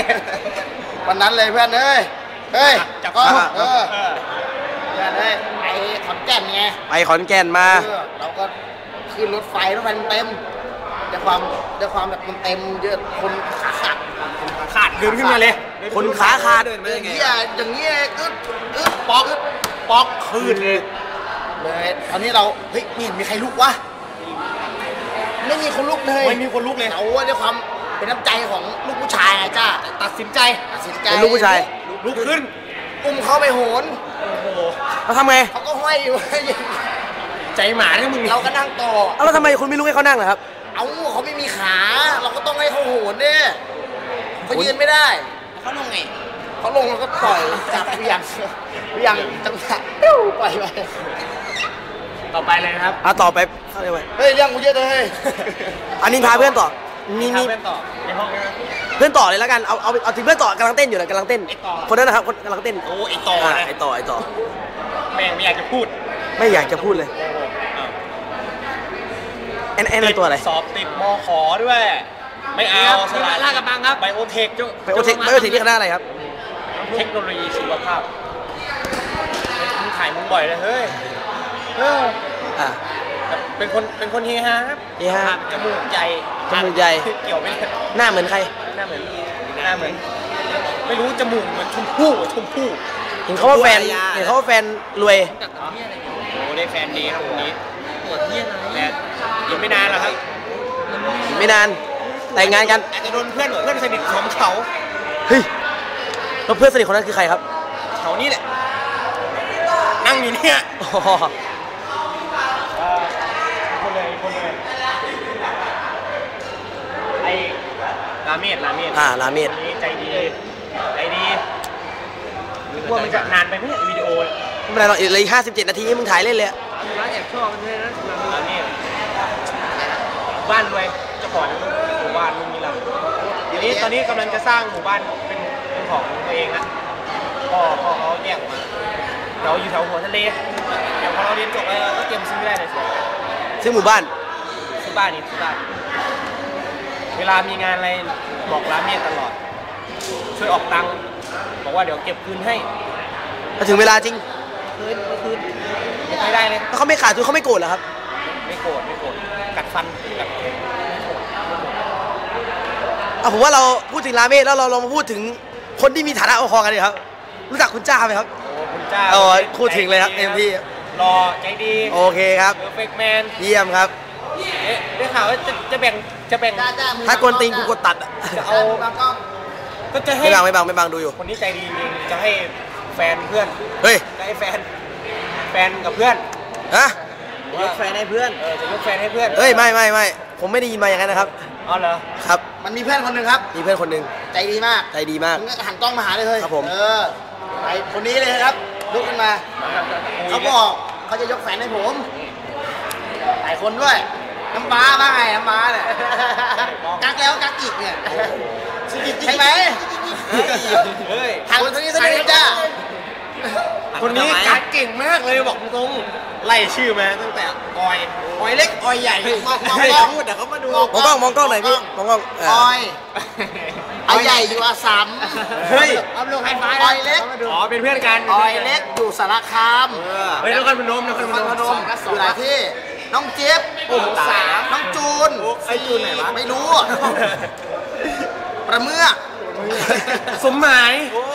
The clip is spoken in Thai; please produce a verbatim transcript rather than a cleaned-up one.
วันนั้นเลยเพื่อนเอ้ยเฮ้ยก็เออเพื่อนเอ้ยไอ้ขอนแก่นไงไปขอนแก่นมาเราก็ขึ้นรถไฟรถไฟเต็มแต่ความแต่ความแบบมันเต็มเยอะคนขาขาดขาดเดินขึ้นมาเลยคนขาขาดเดินอย่างเงี้ยอย่างเงี้ยอึดอึดปอกปอกคืนเลยเลยตอนนี้เราเฮ้ยไม่เห็นมีใครลุกวะไม่มีคนลุกเลยไม่มีคนลุกเลยเอาด้วยความเป็นน้ำใจของลูกผู้ชายจ้าตัดสินใจตัดสินใจเป็นลูกผู้ชายลุกขึ้นอุ้มเขาไปโหนโอ้โหเขาทำไงเขาก็ห้อยอยู่ใจหมาเนี่ยมึงเราก็นั่งต่อเอาแล้วทำไมคุณไม่ลุกให้เขานั่งล่ะครับเอาเขาไม่มีขาเราก็ต้องให้เขาโหนเนี่ยเขายืนไม่ได้เขาลงไงเขาลงแล้วก็ปล่อยจับเบี่ยงเบี่ยงจังหวะปล่อยไปต่อไปเลยครับอ่ะต่อไปเข้าเลยไปเฮ้ยเรื่องกูเยอะเลยอันนี้พาเพื่อนต่อมีมีเพื่อนต่อในห้องเพื่อนต่อเลยแล้วกันเอาเอาเอาถึงเพื่อนต่อกำลังเต้นอยู่นะกำลังเต้นคนนั้นนะครับคนกำลังเต้นโอ้ไอต่อไอต่อไอต่อแม่งไม่อยากจะพูดไม่อยากจะพูดเลยแอนแอนอะไรตัวอะไรสอบติดม.ข.ด้วยไม่เอาสลายลากกระบังครับไบโอเทคจุไบโอเทคไบโอเทคที่คณะอะไรครับเทคโนโลยีชีวภาพมึงถ่ายมึงบ่อยเลยเฮ้ยเอออ่ะเป็นคนเป็นคนเฮฮาครับเฮฮาจมูกใหญ่จมูกใหญ่เกี่ยวไหมหน้าเหมือนใครหน้าเหมือนหน้าเหมือนไม่รู้จมูกเหมือนชมพู่ชมพู่เห็นเขาว่าแฟนเห็นเขาว่าแฟนรวยโอ้ได้แฟนดีครับคนนี้ปวดเที่ยงอะไรยังไม่นานหรอกครับไม่นานแต่งงานกันอาจจะโดนเพื่อนเพื่อนสนิทของเขาเฮ้ยแล้วเพื่อนสนิทคนนั้นคือใครครับเขานี่แหละนั่งอยู่เนี่ยคนเลยคนเลยไอ้ลาเมดลาเมดอ่าลาเมดนี้ใจดีใจดีว่ามันจะนานไปไหมวิดีโอไม่เป็นไรหรอกอีกเลยห้าสิบเจ็ดนาทีมึงถ่ายเล่นเลยร้านแอบชอบมันเลยนะลาเมดบ้านรวยเจ้าของหมู่บ้านลุงนี่แหละทีนี้ตอนนี้กำลังจะสร้างหมู่บ้านเป็นเป็นของตัวเองนะพ่อพ่อเขาแยกออกมาเราอยู่แถวหัวทะเลเดี๋ยวพอเราเรียนจบแล้วก็เตรียมซื้อได้เลยซื้อหมู่บ้านซื้อบ้านนี่ซื้อบ้านเวลามีงานอะไรบอกร้านเมียตลอดช่วยออกตังค์บอกว่าเดี๋ยวเก็บคืนให้มาถึงเวลาจริงคืนคืนไม่ได้เลยถ้าเขาไม่ขาดทุนเขาไม่โกรธเหรอครับไม่โกรธไม่โกรธกัดฟันกัดอ่ะผมว่าเราพูดถึงราเมศแล้วเราลองมาพูดถึงคนที่มีฐานะพอๆกันเลยครับรู้จักคุณจ้าไหมครับโอ้คุณจ้าโอ้พูดถึงเลยครับเต็มที่รอใจดีโอเคครับเพอร์เฟกต์แมนเยี่ยมครับเอ๊ะได้ข่าวว่าจะจะแบ่งจะแบ่งถ้ากวนตีนกูกดตัดอ่ะจะเอาก็จะให้ไม่บังไม่บังไม่บังดูอยู่คนนี้ใจดีจริงจะให้แฟนเพื่อนเฮ้ยจะให้แฟนแฟนกับเพื่อนฮะยกแฟนให้เพื่อนเออจะยกแฟนให้เพื่อนเฮ้ยไม่ไม่ไม่ผมไม่ได้ยินมาอย่างนั้นนะครับอ๋อเหรอครับมันมีเพื่อนคนหนึ่งครับมีเพื่อนคนหนึ่งใจดีมากใจดีมากหันกล้องมาหาเลยเฮ้ยครับผมเออไอคนนี้เลยครับลุกขึ้นมาเขาบอกเขาจะยกแฟนให้ผมหลายคนด้วยน้ำม้าบ้างไงน้ำม้าเนี่ยกักแล้วกักอีกเนี่ยใช่ไหมเฮ้ยทางคนนี้สนิทจ้าคนนี้กักเก่งมากเลยบอกตรงไล่ชื่อมาตั้งแต่ออยออยเล็กออยใหญ่มองมองกล้องเดี๋ยวเขามาดูมองกล้องมองกล้องหน่อยพี่มองกล้องออยออยใหญ่อยู่อาสัมเฮ้ยอัพลงไฮไฟออยเล็กอ๋อเป็นเพื่อนกันออยเล็กอยู่สารคามเฮ้ยนครพนมนครพนมอยู่หลายที่น้องเจี๊ยบโอ้โหสามน้องจูนไอจูนไหนวะไม่รู้ประเมื่อสมหมาย